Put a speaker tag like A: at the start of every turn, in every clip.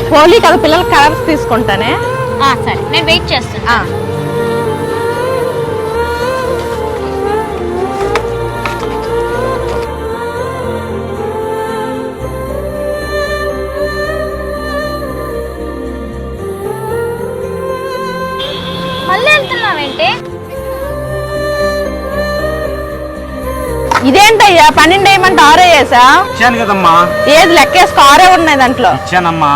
A: హోలీ కదా పిల్లలకి కలర్స్ తీసుకుంటానే.
B: సరే నేను వెయిట్ చేస్తున్నా. మళ్ళీ వెళ్తున్నావేంటి?
A: ఇదేంటయ్యా 12 వేయమంటే 6 వేసా?
C: ఇచ్చాను కదమ్మా.
A: ఏది లెక్కేసుకో 6 ఉన్నాయి దాంట్లో.
C: ఇచ్చానమ్మా.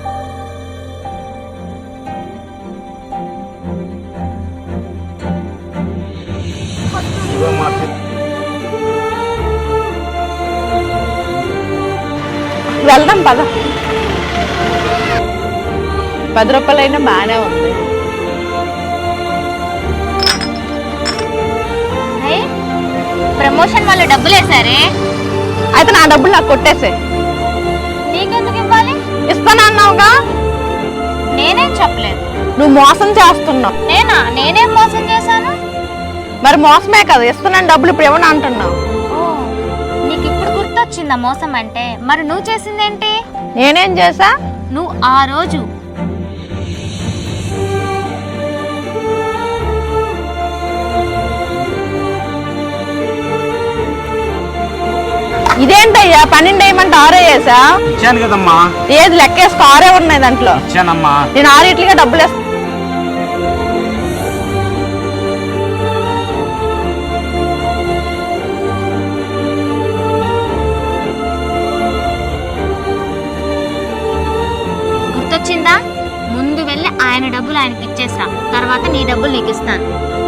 A: వెళ్దాం పద. 10 రూపాయలైనా బాగానే ఉంది.
B: ప్రమోషన్ వాళ్ళు డబ్బులు వేసారే,
A: అయితే నా డబ్బులు నాకు కొట్టేసే.
B: నీకెందుకు ఇవ్వాలి?
A: ఇస్తానన్నావుగా.
B: నేనేం చెప్పలేదు.
A: నువ్వు మోసం చేస్తున్నావు.
B: నేనేం మోసం చేశాను?
A: మరి మోసమే కదా, ఇస్తున్నాను డబ్బులు ఇప్పుడు ఏమన్నా అంటున్నావు.
B: నీకు ఇప్పుడు గుర్తొచ్చిందా మోసం అంటే? మరి నువ్వు చేసిందేంటి?
A: నేనేం చేసా?
B: నువ్వు ఆ రోజు
A: ఇదేంటయ్యా 12 వేయమంటే 6 వేసా?
C: ఇచ్చాను కదమ్మా.
A: ఏది లెక్కేసుకో 6 ఉన్నాయి దాంట్లో.
C: ఇచ్చానమ్మా.
A: నేను 6 ఇట్లుగా డబ్బులు వేస్తా.
B: గుర్తొచ్చిందా? ముందు వెళ్ళి ఆయన డబ్బులు ఆయనకి ఇచ్చేసా, తర్వాత నీ డబ్బులు నీకు ఇస్తాను.